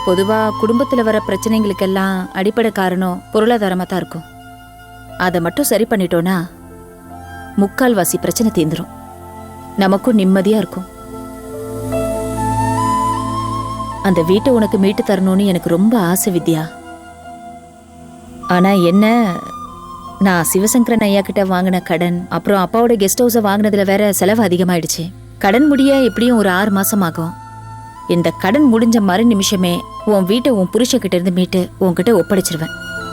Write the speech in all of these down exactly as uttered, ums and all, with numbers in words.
பொதுவா குடும்பத்துல வர பிரச்சனைகளுக்கெல்லாம் அடிப்படை காரணம் பொருளாதாரமா தான் இருக்கும். அதை மட்டும் சரி பண்ணிட்டோம்னா முக்கால்வாசி பிரச்சனை தீந்துரும். நமக்கும் நிம்மதியா இருக்கும். அந்த வீட்டை உனக்கு மீட்டு தரணும்னு எனக்கு ரொம்ப ஆசை வித்யா. ஆனா என்ன, நான் சிவசங்கரன் ஐயா கிட்ட வாங்கின கடன், அப்புறம் அப்பாவோட கெஸ்ட் ஹவுஸை வாங்கினதுல வேற செலவு அதிகமாயிடுச்சு. கடன் முடிய எப்படியும் ஒரு ஆறு மாசம் ஆகும். இந்த கடன் முடிஞ்ச மறு நிமிஷமே உன் வீட்டை உன் புருஷக்கிட்ட இருந்து மீட்டு உன்கிட்ட ஒப்படைச்சிருவேன்.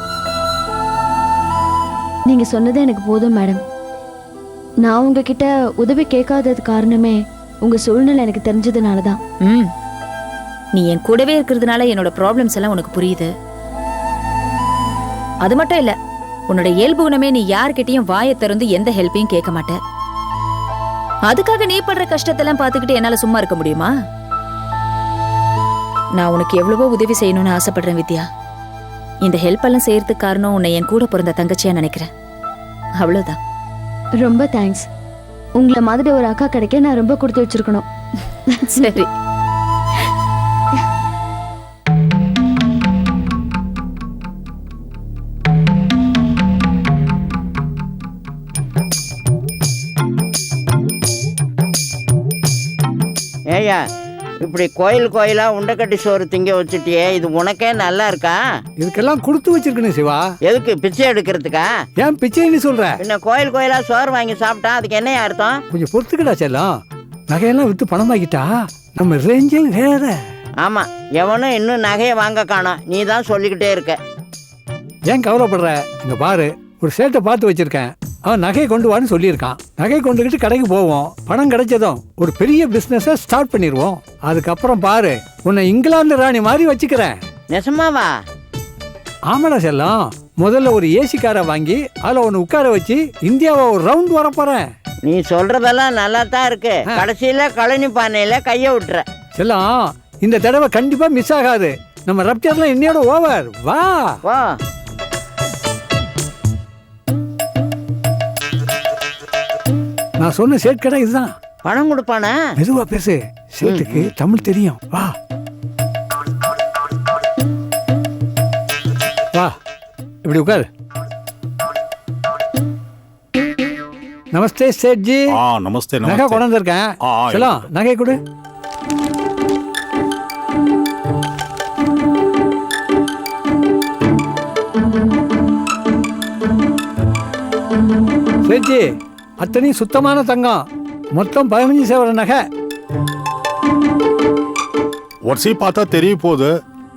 நீங்க சொன்னதே எனக்கு போதும் மேடம். நான் உங்ககிட்ட உதவி கேட்காதது காரணமே உங்க சூழ்நிலை எனக்கு தெரிஞ்சதுனாலதான். ம் நீ என் கூடவே இருக்கிறதுனால என்னோட ப்ராப்ளம்ஸ் எல்லாம் உனக்கு புரியுது. அது மட்டும் இல்ல, உன்னோட இயல்பு குணமே நீ யார்கிட்டயும் வாயை திறந்து எந்த ஹெல்ப்பையும் கேட்க மாட்ட. அதுக்காக நீ படுற கஷ்டத்தெல்லாம் பார்த்துக்கிட்டு என்னால சும்மா இருக்க முடியுமா? நான் உனக்கு எவ்வளவோ உதவி செய்யணும்னு ஆசைப்படுறேன் வித்யா. இந்த ஹெல்ப் எல்லாம் செய்யறதுக்கு காரணம் உன்னை என் கூட பிறந்த தங்கச்சியா நினைக்கிறேன். அவ்வளவுதான். ரொம்ப தேங்க்ஸ். உங்களை மாதிரி ஒரு அக்கா கிடைக்க நான் ரொம்ப கொடுத்து வச்சிருக்கணும். சரி. ஏய்யா, இப்படி கோயில் கோயிலா உண்டக்கட்டி சோறு திங்க வச்சுட்டியே, இது உனக்கே நல்லா இருக்கா? இதுக்கெல்லாம் கொடுத்து வச்சிருக்கணும் சிவா. எதுக்கு? பிச்சை எடுக்கிறதுக்கா? ஏன் பிச்சைன்னு சொல்ற? என்ன கோயில் கோயிலா சோறு வாங்கி சாப்பிட்டா அதுக்கு என்ன அர்த்தம்? கொஞ்சம் பொறுத்துக்கடா செல்லம். நகையெல்லாம் வித்து பணமாக்கிட்டா நம்ம ரேஞ்சே வேற. ஆமா, எவனும் இன்னும் நகையை வாங்க காணோம். நீ தான் சொல்லிக்கிட்டே இருக்க. ஏன் கவலைப்படுற? இங்க பாரு, ஒரு சேட்டை பார்த்து வச்சிருக்கேன். அவன் நகையை கொண்டு வான்னு சொல்லியிருக்கான். நகை கொண்டுகிட்டு கடைக்கு போவோம். பணம் கிடைச்சதும் ஒரு பெரிய பிசினஸ ஸ்டார்ட் பண்ணிடுவோம். அதுக்கப்புறம் பாரு, உன்னை இங்கிலாந்து ராணி மாதிரி வச்சுக்கிறேன். நெசமாவா? ஆமாடா செல்லம். முதல்ல ஒரு ஏசி காரை வாங்கி அதில் ஒன்று உட்கார வச்சு இந்தியாவை ஒரு ரவுண்ட் வர போறேன். நீ சொல்றதெல்லாம் நல்லா தான் இருக்கு. கடைசியில கழனி பானையில கைய விட்டுற. செல்லம், இந்த தடவை கண்டிப்பா மிஸ் ஆகாது. நம்ம ரப்டர்லாம் இன்னையோட ஓவர். வா வா. நான் சொன்ன சேட் கடை இதுதான். பணம் கொடுப்பானா? மெதுவா பேசு, சேட்டுக்கு தமிழ் தெரியும். வா வா, இப்படி உட்காரு. நமஸ்தே சேட்ஜி. ஆ நமஸ்தே. நகை கொண்டு வந்திருக்கேன். செல்லம், நகை கொடு. சேட்ஜி, அத்தனை சுத்தமான தங்கம். மொத்தம் பதினஞ்சு சேவர நகை. வரிசை பார்த்தா தெரிய போகுது.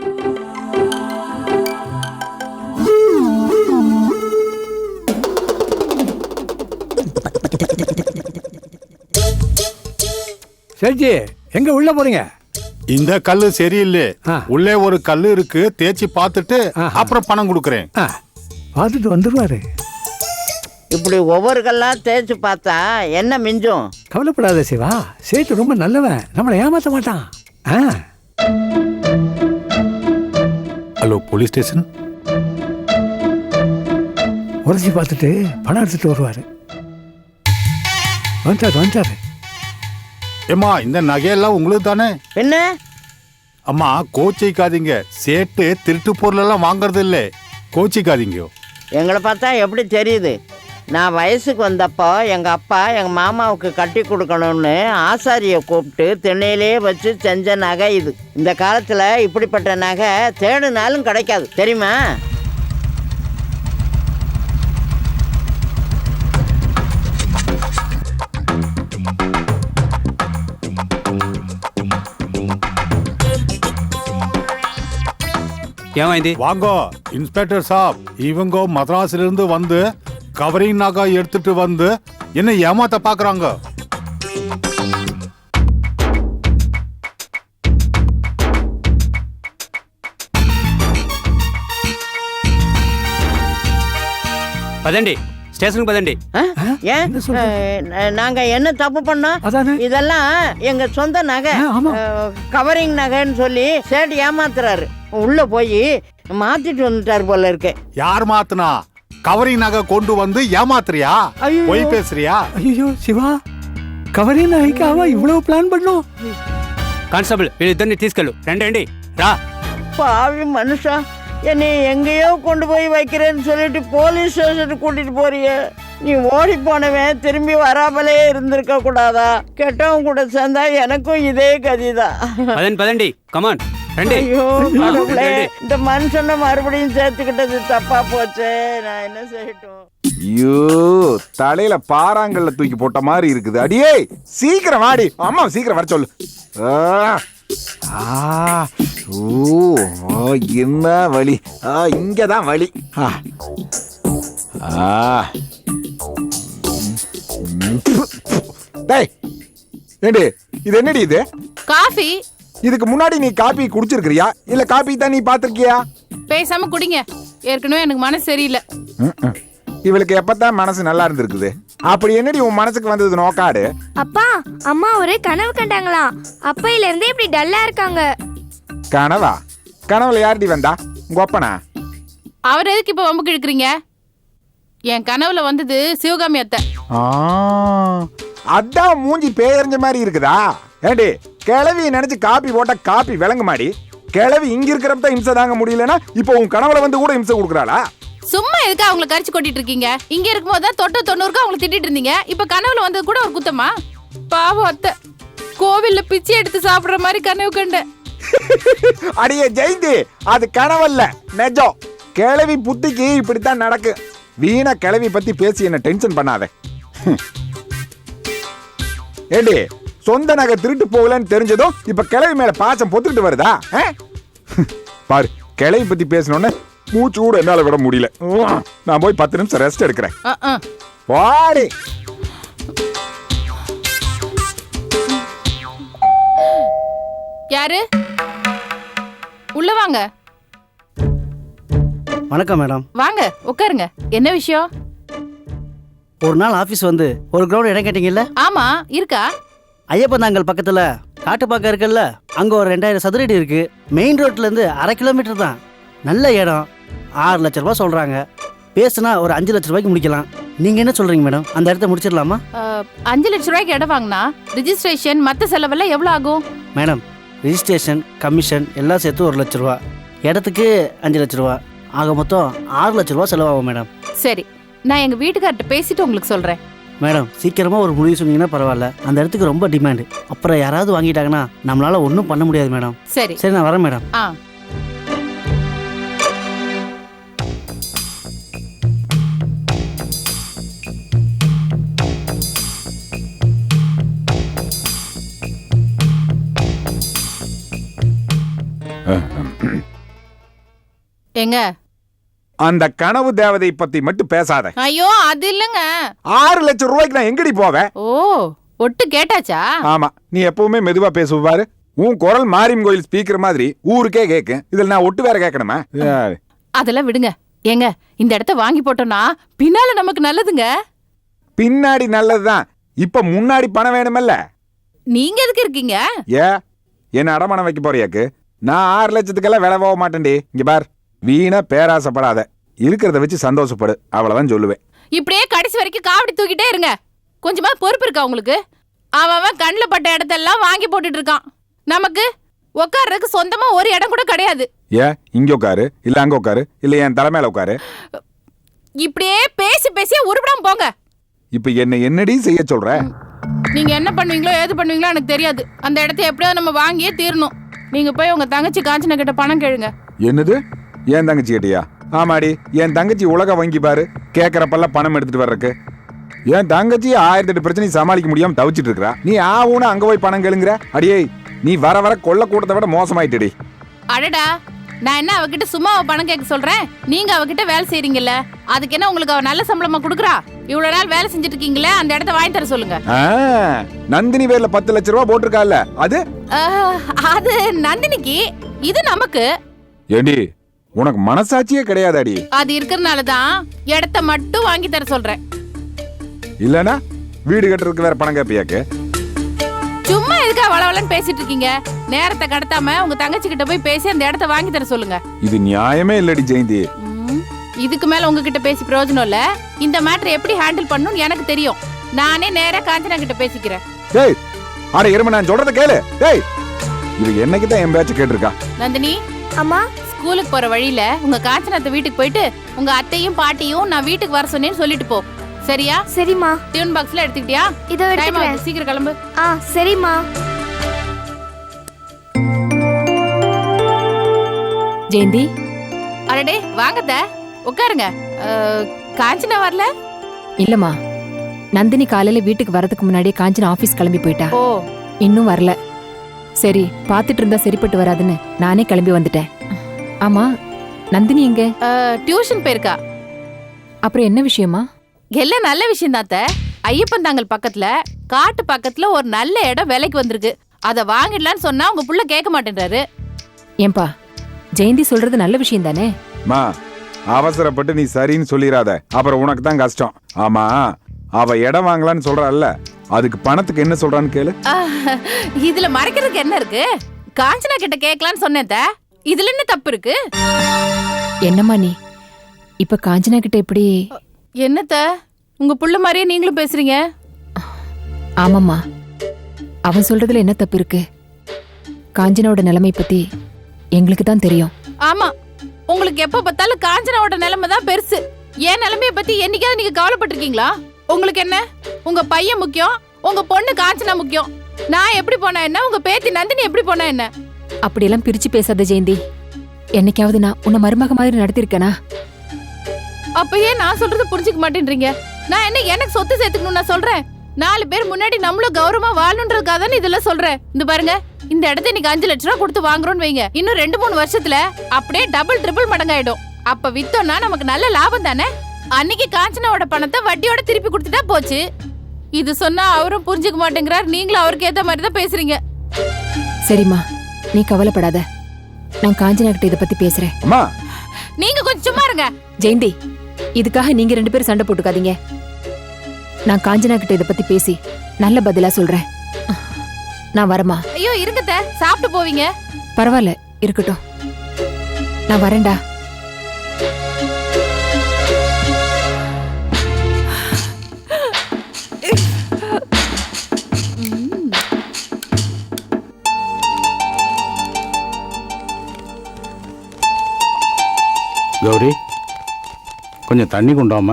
சேட்ஜி, எங்க உள்ள போறீங்க? இந்த கல்லு சரியில்லை. உள்ளே ஒரு கல்லு இருக்கு, தேய்ச்சி பார்த்துட்டு அப்புறம் பணம் கொடுக்கறேன். பார்த்துட்டு வந்துருவாரு. இப்படி ஒவ்வொரு கல்லா தேய்ச்சி பார்த்தா என்ன மிஞ்சும்? கவலைப்படாத சிவா, சேட்டு ரொம்ப நல்லவன். நம்மளை ஏமாத்த மாட்டான். Hello, police station. உரைச்சி பார்த்துட்டு பணம் எடுத்துட்டு வருவாரு. வந்துட்டாரு வந்துட்டாரு. ஏமா, இந்த நகையெல்லாம் உங்களுக்கு தானே? என்ன? அம்மா, கோச்சிக்காதீங்க. சேட்டு திருட்டு பொருள் எல்லாம் வாங்கறது இல்லை. கோச்சிக்காதீங்க. எங்களை பார்த்தா எப்படி தெரியுது? நான் வயசுக்கு வந்தப்போ எங்கள் அப்பா எங்கள் மாமாவுக்கு கட்டி கொடுக்கணும்னு ஆசாரியை கூப்பிட்டு திண்ணையிலே வச்சு செஞ்ச நகை இது. இந்த காலத்தில் இப்படிப்பட்ட நகை தேடினாலும் கிடைக்காது, தெரியுமா? வாங்கோ இன்ஸ்பெக்டர் சாப். இவங்க மദ്രാസിல இருந்து வந்து கவரிங் நகை எடுத்துட்டு வந்து என்ன ஏமாத்த பாக்குறாங்க. பதண்டி, ஸ்டேஷனுக்கு பதண்டி. ஏன் நாங்க என்ன தப்பு பண்ணோம்? இதெல்லாம் எங்க சொந்த நகை, கவரிங் நகைன்னு சொல்லி சேட்டு ஏமாத்துறாரு. உள்ள போய் மாத்திட்டு வந்துட்டாரு போல இருக்கு. யார் மாத்துனா? கவரிங் நகை கொண்டு வந்து ஏமாத்துறியா? போய் பேசுறியா? ஐயோ சிவா, கவரிங் நகைக்காக இவ்வளவு பிளான் பண்ணோம். కానిస్టేబుల్ వీళ్ళిద్దరిని తీసుకెళ్ళు. రండి రా. பாவி மனுஷா, என்னை எங்கேயோ கொண்டு போய் வைக்கிறேன்னு சொல்லிட்டு போலீஸ் ஸ்டேஷனுக்கு கூட்டிட்டு போறியே. நீ ஓடி போனவன் திரும்பி வராமலே இருந்திருக்க கூடாதா? கெட்டவன் கூட சேர்ந்தா எனக்கும் இதே கதிதான். பதன் பதண்டி கமான் ரெண்டு. ஐயோ கடவுளே, இந்த மனுஷனை மறுபடியும் சேர்த்துக்கிட்டது தப்பா போச்சே. நான் என்ன செய்யட்டும்? ஐயோ, தலையில பாறாங்கல்ல தூக்கி போட்ட மாதிரி இருக்குது. அடியே சீக்கிரம் வாடி, அம்மா சீக்கிரம் வர சொல்லு. ஆ, ஆ, ஓ, ஓ, என்ன வலி? ஆ, இங்கதான் வலி. ஆ, ஆ. டேய், ஏண்டி இது என்னடி இது? காஃபி. இதுக்கு முன்னாடி நீ காபி குடிச்சிருக்கிறியா இல்ல காபி தான் நீ பாத்திருக்கியா? பேசாம குடிங்க, ஏற்கனவே எனக்கு மனசு சரியில்லை. இவளுக்கு எப்பதான் மனசு நல்லா இருந்திருக்குது? அப்படி என்னடி உன் மனசுக்கு வந்தது நோக்காடு? அப்பா, அம்மா ஒரு கனவு கண்டாங்களாம். அப்பையில இருந்தே இப்படி டல்லா இருக்காங்க. கனவா? கனவுல யாருடி வந்தா? உங்க அப்பனா? அவர் எதுக்கு இப்ப வம்புக்கு இழுக்கிறீங்க? என் கனவுல வந்தது சிவகாமி அத்தை. ஆ, அதான் மூஞ்சி பேயறிஞ்ச மாதிரி இருக்குதா? ஏண்டி கிளவி நினைச்சு காப்பி போட்டா காப்பி விளங்க மாடி. கிளவி இங்க இருக்கிறப்ப இம்சை தாங்க முடியலன்னா இப்போ உன் கனவுல வந்து கூட இம்சை கொடுக்குறாளா? சும்மா எதுக்கு அவங்களை கரிச்சு கொட்டிட்டு இருக்கீங்க? இங்க இருக்கும்போது தான் தொட்டு தொண்ணூறுக்கு அவங்களை திட்டிட்டு இருந்தீங்க. இப்ப கனவுல வந்தது கூட ஒரு குத்தமா? பாவம் அத்தை, கோவில்ல பிச்சை எடுத்து சாப்பிடுற மாதிரி கனவு கண்டேன். அடியே ஜெயந்தி, அது கனவல்ல, நெஜம். கிளவி புத்திக்கு இப்படித்தான் நடக்கு. வீணா கிளவி பத்தி பேசி என்ன டென்ஷன் பண்ணாத. ஏண்டி சொந்த நகை திருட்டு போகலன்னு தெரிஞ்சதும் இப்ப கிளவி மேல பாசம் பொத்துக்கிட்டு வருதா? பாரு, கிளவி பத்தி பேசணும்னு மூச்சு கூட என்னால விட முடியல. நான் போய் பத்து நிமிஷம் ரெஸ்ட் எடுக்கிறேன். வாடி. யாரு? உள்ள வாங்க. வணக்கம் மேடம். வாங்க உட்காருங்க. என்ன விஷயம்? ஒரு நாள் ஆபீஸ் வந்து ஒரு கிரவுண்ட் இடம் கேட்டீங்கல்ல? ஆமா, இருக்கா? ஐயப்பந்தாங்கல் பக்கத்துல காட்டுப்பாக்கம் இருக்குல்ல, அங்க ஒரு ரெண்டாயிரம் சதுரடி இருக்கு. மெயின் ரோட்ல இருந்து அரை கிலோமீட்டர் தான். நல்ல இடம். ஆறு லட்ச ரூபாய் சொல்றாங்க. பேசுனா ஒரு அஞ்சு லட்ச ரூபாய்க்கு முடிக்கலாம். நீங்க என்ன சொல்றீங்க மேடம்? அந்த இடத்த முடிச்சிடலாமா? அஞ்சு லட்ச ரூபாய்க்கு இடம் வாங்கினா ரிஜிஸ்ட்ரேஷன் மற்ற செலவெல்லாம் எவ்வளவு ஆகும்? மேடம், ரிஜிஸ்ட்ரேஷன் கமிஷன் எல்லாம் சேர்த்து ஒரு லட்ச ரூபா, இடத்துக்கு அஞ்சு லட்ச ரூபா, ஆக மொத்தம் ஆறு லட்ச ரூபா செலவாகும் மேடம். சரி, நான் எங்க வீட்டுக்கார்ட்ட பேசிட்டு உங்களுக்கு சொல்றேன். மேடம், சீக்கிரமா ஒரு முடிவு சொன்னீங்கன்னா பரவாயில்ல. அந்த இடத்துக்கு ரொம்ப டிமாண்டு. அப்புறம் யாராவது வாங்கிட்டாங்கன்னா நம்மளால ஒன்றும் பண்ண முடியாது மேடம். சரி சரி, நான் வரேன் மேடம். ஆ. எங்க அந்த கனவு தேவதை பத்தி மட்டும் பேசாத. ஐயோ, அது இல்லங்க. ஆறு லட்சம் ரூபாய்க்கு நான் எங்கடி போவேன்? ஓ, ஒட்டு கேட்டாச்சா? ஆமா, நீ எப்பவுமே மெதுவா பேசுவ பாரு. உன் குரல் மாரியம் கோயில் ஸ்பீக்கர் மாதிரி ஊருக்கே கேட்கும். இதுல நான் ஒட்டு வேற கேட்கணுமா? அதெல்லாம் விடுங்க. ஏங்க, இந்த இடத்த வாங்கி போட்டோம்னா பின்னால நமக்கு நல்லதுங்க. பின்னாடி நல்லதுதான். இப்ப முன்னாடி பணம் வேணுமல்ல? நீங்க எதுக்கு இருக்கீங்க? ஏ, என்ன அடமானம் வைக்க போறியாக்கு? நான் ஆறு லட்சத்துக்கெல்லாம் விலை போக மாட்டேன்டி. இங்க பார், வீணா பேராசப்படாத. இருக்கிறத வச்சு சந்தோஷப்படு, அவ்வளவுதான் சொல்லுவேன். இப்படியே கடைசி வரைக்கும் காவடி தூக்கிட்டே இருங்க. கொஞ்சமா பொறுப்பு இருக்கா உங்களுக்கு? அவன் கண்ணில் பட்ட இடத்தெல்லாம் வாங்கி போட்டுட்டு இருக்கான். நமக்கு உட்கார்றதுக்கு சொந்தமா ஒரு இடம் கூட கிடையாது. ஏ, இங்க உட்காரு, இல்ல அங்க உட்காரு, இல்ல என் தலைமையில உட்காரு. இப்படியே பேசி பேசி உருப்படாம போங்க. இப்ப என்ன என்னடி செய்ய சொல்ற? நீங்க என்ன பண்ணுவீங்களோ ஏது பண்ணுவீங்களோ எனக்கு தெரியாது. அந்த இடத்த எப்படியாவது நம்ம வாங்கியே தீரணும். நீங்க போய் உங்க தங்கச்சி காஞ்சனா கிட்ட பணம் கேளுங்க. என்னது? என் தங்கச்சி கிட்டியா? ஆமாடி, என் தங்கச்சி உலக வங்கி பாரு, கேட்கறப்பெல்லாம் பணம் எடுத்துட்டு வர்றக்கு. என் தங்கச்சி ஆயிரத்தி எட்டு பிரச்சனை சமாளிக்க முடியாம தவிச்சிட்டு இருக்கா. நீ ஆவுன்னு அங்க போய் பணம் கேளுங்கிற? அடியே, நீ வர வர கொள்ள கூட்டத்தை விட மோசமாயிட்டுடி. அடடா, நான் என்ன அவகிட்ட சும்மா பணம் கேட்க சொல்றேன்? நீங்க அவகிட்ட வேலை செய்றீங்கல்ல, அதுக்கு என்ன உங்களுக்கு அவ நல்ல சம்பளமா கொடுக்குறா? இவ்வளவு நாள் வேலை செஞ்சுட்டு இருக்கீங்களே, அந்த இடத்த வாங்கி தர சொல்லுங்க. நந்தினி பேர்ல பத்து லட்சம் ரூபாய் போட்டிருக்கால, அது அது நந்தினிக்கு, இது நமக்கு. ஏண்டி, உனக்கு மனசாட்சியே கிடையாதாடி? அது இருக்கிறதுனாலதான் இடத்த மட்டும் வாங்கி தர சொல்றேன். இல்லனா வீடு கட்டுறதுக்கு வேற பணம் கேப்பியாக்கு? சும்மா எதுக்கா வளவலன்னு பேசிட்டு இருக்கீங்க? நேரத்தை கடத்தாம உங்க தங்கச்சி கிட்ட போய் பேசி அந்த இடத்த வாங்கி தர சொல்லுங்க. இது நியாயமே இல்லடி ஜெயந்தி. இதுக்கு மேல உங்ககிட்ட பேசி பிரயோஜனம் இல்ல. இந்த மேட்டர் எப்படி ஹேண்டில் பண்ணணும்னு எனக்கு தெரியும். நானே நேரா காஞ்சனா கிட்ட பேசிக்கிறேன். டேய், அட இரும, நான் சொல்றத கேளு. டேய், இது என்னைக்கு தான் என் பேச்ச கேட்டிருக்கா? நந்தினி, அம்மா ஸ்கூலுக்கு போற வழியில உங்க காஞ்சனாத்த வீட்டுக்கு போயிட்டு உங்க அத்தையும் பாட்டியும் நான் வீட்டுக்கு வர சொன்னேன்னு சொல்லிட்டு போ. சரியா? சரிம்மா. டியூன் பாக்ஸ்ல எடுத்துக்கிட்டியா? இதோ டைம் எடுத்துக்கிறேன். ஆகுது, சீக்கிரம் கிளம்பு. ஆ சரிம்மா. ஜெயந்தி, அடடே வாங்கத்த, உட்காருங்க. அஹ், காஞ்சனா வரல? இல்லம்மா, நந்தினி காலையில வீட்டுக்கு வரதுக்கு முன்னாடியே காஞ்சனா ஆபீஸ் கிளம்பி போயிட்டா. ஓ, இன்னும் வரல. சரி, பாத்துட்டு இருந்தா சரிப்பட்டு வராதுன்னு நானே கிளம்பி வந்துட்டேன். ஆமா, நந்தினி எங்க? அஹ், டியூஷன் போயிருக்கா. அப்புறம் என்ன விஷயமா? எல்லாம் நல்ல விஷயம் தாத்த. ஐயப்பன் தாங்கல் பக்கத்துல காட்டு பக்கத்துல ஒரு நல்ல இடம் விலைக்கு வந்திருக்கு. அத வாங்கிடலான்னு சொன்னா உங்க புள்ள கேட்க மாட்டேன்றாரு. ஏன்பா, ஜெயந்தி சொல்றது நல்ல விஷயம் தானே? மா அவசரப்பட்டு நீ சரின்னு சொல்லிடாத, அப்புறம் உனக்கு தான் கஷ்டம். ஆமா, அவ இடம் வாங்கலான்னு சொல்றாள்ல, அதுக்கு பணத்துக்கு என்ன சொல்றான்னு கேளு. அஹ், இதுல மறைக்கிறதுக்கு என்ன இருக்கு? காஞ்சனா கிட்ட கேட்கலான்னு சொன்னேன் த. இதுல என்ன தப்பு இருக்கு? என்னம்மா நீ இப்ப காஞ்சனா கிட்ட எப்படி? என்னத்த உங்க புள்ள மாதிரியே நீங்களும் பேசுறீங்க. ஆமாம்மா, அவன் சொல்றதுல என்ன தப்பு இருக்கு? காஞ்சனாவோட நிலைமை பத்தி எங்களுக்கு தான் தெரியும். ஆமா, உங்களுக்கு எப்ப பார்த்தாலும் காஞ்சனாவோட நிலைமை தான் பெருசு. என் நிலைமைய பத்தி என்னைக்காவது நீங்க கவலைப்பட்டிருக்கீங்களா? உங்களுக்கு என்ன, உங்க பையன் முக்கியம், உங்க பொண்ணு காஞ்சனா முக்கியம். நான் எப்படி போனா என்ன, உங்க பேத்தி நந்தினி எப்படி போனா என்ன? அப்படியெல்லாம் பிரிச்சு பேசாத ஜெயந்தி. என்னைக்காவது நான் உன்னை மருமக மாதிரி நடத்திருக்கேனா? அப்பயே நான் சொல்றது புரிஞ்சுக்க மாட்டேன்றீங்க. நான் என்ன எனக்கு சொத்து சேர்த்துக்கணும் நான் சொல்றேன். நாலு பேர் முன்னாடி நம்மளும் கௌரவமா வாழணுன்றதுக்காக தானே இதெல்லாம் சொல்றேன். இந்த பாருங்க, இந்த இடத்த இன்னைக்கு அஞ்சு லட்சம் ரூபா கொடுத்து வாங்குறோம்னு வைங்க, இன்னும் ரெண்டு மூணு வருஷத்துல அப்படியே டபுள் ட்ரிபிள் மடங்காயிடும். அப்ப வித்தோம்னா நமக்கு நல்ல லாபம் தானே. அன்னைக்கு காஞ்சனாவோட பணத்தை வட்டியோட திருப்பி கொடுத்துட்டா போச்சு. இது சொன்னா அவரும் புரிஞ்சுக்க மாட்டேங்கிறார். நீங்களும் அவருக்கு ஏத்த மாதிரி தான் பேசுறீங்க. சரிம்மா, நீ கவலைப்படாத. நான் காஞ்சனா கிட்ட இதை பத்தி பேசுறேன். அம்மா, நீங்க கொஞ்சம் சும்மா இருங்க. ஜெயந்தி, இதுக்காக நீங்க ரெண்டு பேரும் சண்டை போட்டுக்காதீங்க. நான் காஞ்சனா கிட்ட இதை பத்தி பேசி நல்ல பதிலா சொல்றேன். நான் வரமா? ஐயோ இருங்கத்த, சாப்பிட்டு போவீங்க. பரவாயில்ல, இருக்கட்டும். நான் வரேன்டா. கௌரி, கொஞ்சம் தண்ணி கொண்டாமா.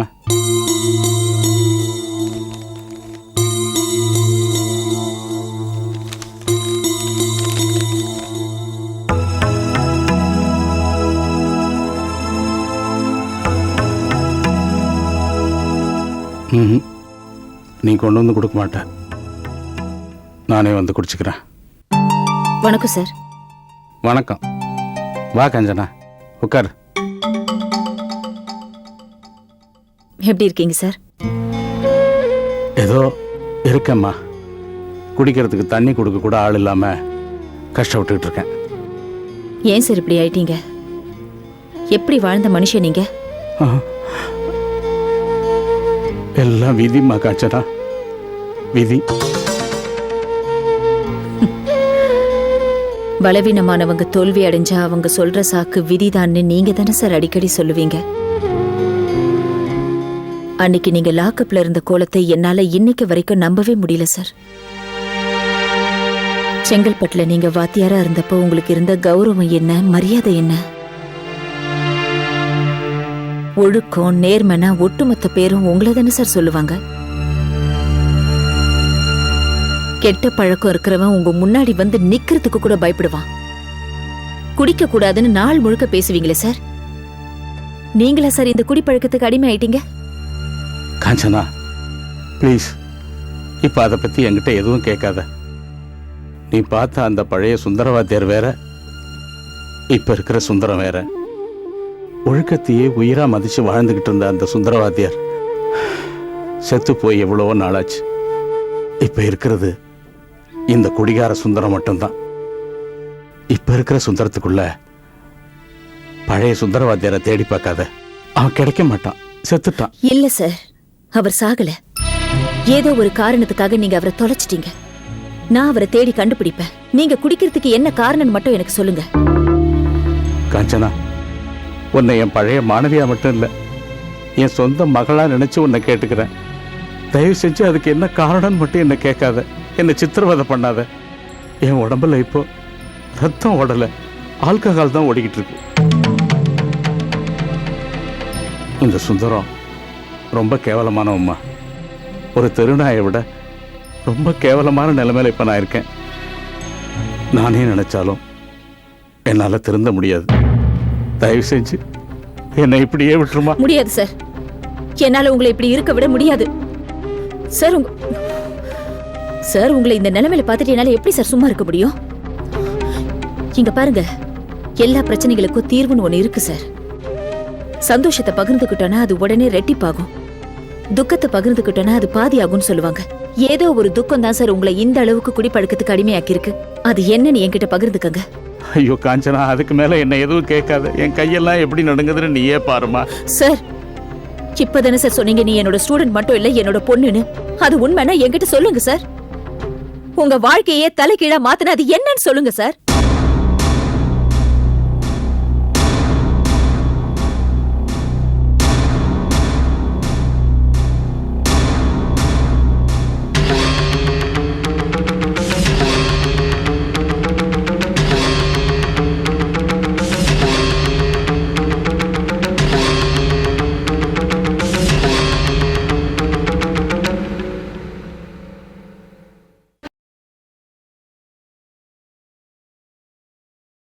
ம், நீ கொண்டு வந்து கொடுக்க மாட்ட, நானே வந்து குடிச்சுக்கிறேன். வணக்கம் சார். வணக்கம். வா கஞ்சனா, உட்கார். எப்படி இருக்கீங்க சார்? ஏதோ இருக்கேம்மா. குடிக்கிறதுக்கு தண்ணி கொடுக்க கூட ஆள் இல்லாம கஷ்டப்பட்டுக்கிட்டு இருக்கேன். ஏன் சார் இப்படி ஆயிட்டீங்க? எப்படி வாழ்ந்த மனுஷன் நீங்க? எல்லாம் விதிம்மா காஞ்சனா, விதி. பலவீனமானவங்க தோல்வி அடைஞ்சா அவங்க சொல்ற சாக்கு விதிதான்னு நீங்க தானே சார் அடிக்கடி சொல்லுவீங்க. அன்னைக்கு நீங்க லாக்கப்ல இருந்த கோலத்தை என்னால இன்னைக்கு வரைக்கும் நம்பவே முடியல சார். செங்கல்பட்டுல நீங்க வாத்தியாரா இருந்தப்போ உங்களுக்கு இருந்த கௌரவம் என்ன, மரியாதை என்ன? ஒழுக்கம், நேர்மனா ஒட்டுமொத்த பேரும் உங்களை தானே சார் சொல்லுவாங்க. கெட்ட பழக்கம் இருக்கிறவன் உங்க முன்னாடி வந்து நிக்கிறதுக்கு கூட பயப்படுவான். குடிக்க கூடாதுன்னு நாள் முழுக்க பேசுவீங்களே சார். நீங்களா சார் இந்த குடிப்பழக்கத்துக்கு அடிமை ஆயிட்டீங்க? காஞ்சனா ப்ளீஸ், இப்போ அதை பற்றி என்கிட்ட எதுவும் கேட்காத. நீ பார்த்த அந்த பழைய சுந்தரவாத்தியார் வேற, இப்போ இருக்கிற சுந்தரம் வேற. ஒழுக்கத்தையே உயிராக மதித்து வாழ்ந்துக்கிட்டு இருந்த அந்த சுந்தரவாத்தியார் செத்து போய் எவ்வளவோ நாளாச்சு. இப்போ இருக்கிறது இந்த குடிகார சுந்தரம் மட்டும்தான். இப்போ இருக்கிற சுந்தரத்துக்குள்ள பழைய சுந்தரவாத்தியாரை தேடி பார்க்காத, அவன் கிடைக்க மாட்டான், செத்துட்டான். இல்ல சார், அவர் சாகல. ஏதோ ஒரு காரணத்துக்காக நீங்க அவரை தொலைச்சிட்டீங்க. நான் அவரை தேடி கண்டுபிடிப்பேன். நீங்க குடிக்கிறதுக்கு என்ன காரணம் மட்டும் எனக்கு சொல்லுங்க. காஞ்சனா, உன்னை என் பழைய மாணவியா மட்டும் இல்லை, என் சொந்த மகளா நினைச்சு உன்னை கேட்டுக்கிறேன். தயவு செஞ்சு அதுக்கு என்ன காரணம்னு மட்டும் என்ன கேட்காத, என்னை சித்திரவதை பண்ணாத. என் உடம்புல இப்போ ரத்தம் ஓடலை, ஆல்கஹால் தான் ஓடிக்கிட்டு இருக்கு. இந்த சுந்தரம் ரொம்ப கேவலமானவம்மா. ஒரு தெருநாயை விட ரொம்ப கேவலமான நிலைமையில இப்ப நான் இருக்கேன். நானே நினைச்சாலும் என்னால திருந்த முடியாது. தயவு செஞ்சு என்னை இப்படியே விட்டுருமா? முடியாது சார், என்னால உங்களை இப்படி இருக்க விட முடியாது சார். உங்க சார் உங்களை இந்த நிலைமையில பார்த்துட்டு என்னால எப்படி சார் சும்மா இருக்க முடியும்? இங்க பாருங்க, எல்லா பிரச்சனைகளுக்கும் தீர்வுன்னு ஒண்ணு இருக்கு சார். சந்தோஷத்தை பகிர்ந்துக்கிட்டோன்னா அது உடனே ரெட்டிப்பாகும், துக்கத்தை பகிர்ந்துக்கிட்டோன்னா அது பாதி ஆகும்னு சொல்லுவாங்க. ஏதோ ஒரு துக்கம் தான் சார் உங்களை இந்த அளவுக்கு குடிப்பழக்கத்துக்கு அடிமையாக்கி இருக்கு. அது என்னன்னு என்கிட்ட பகிர்ந்துக்கங்க. ஐயோ காஞ்சனா, அதுக்கு மேல என்ன எதுவும் கேட்காத. என் கையெல்லாம் எப்படி நடுங்குதுன்னு நீயே பாருமா. சார் இப்பதானே சார் சொன்னீங்க நீ என்னோட ஸ்டூடெண்ட் மட்டும் இல்ல என்னோட பொண்ணுன்னு. அது உண்மைன்னா என்கிட்ட சொல்லுங்க சார். உங்க வாழ்க்கையே தலைகீழா மாத்தின அது என்னன்னு சொல்லுங்க சார்.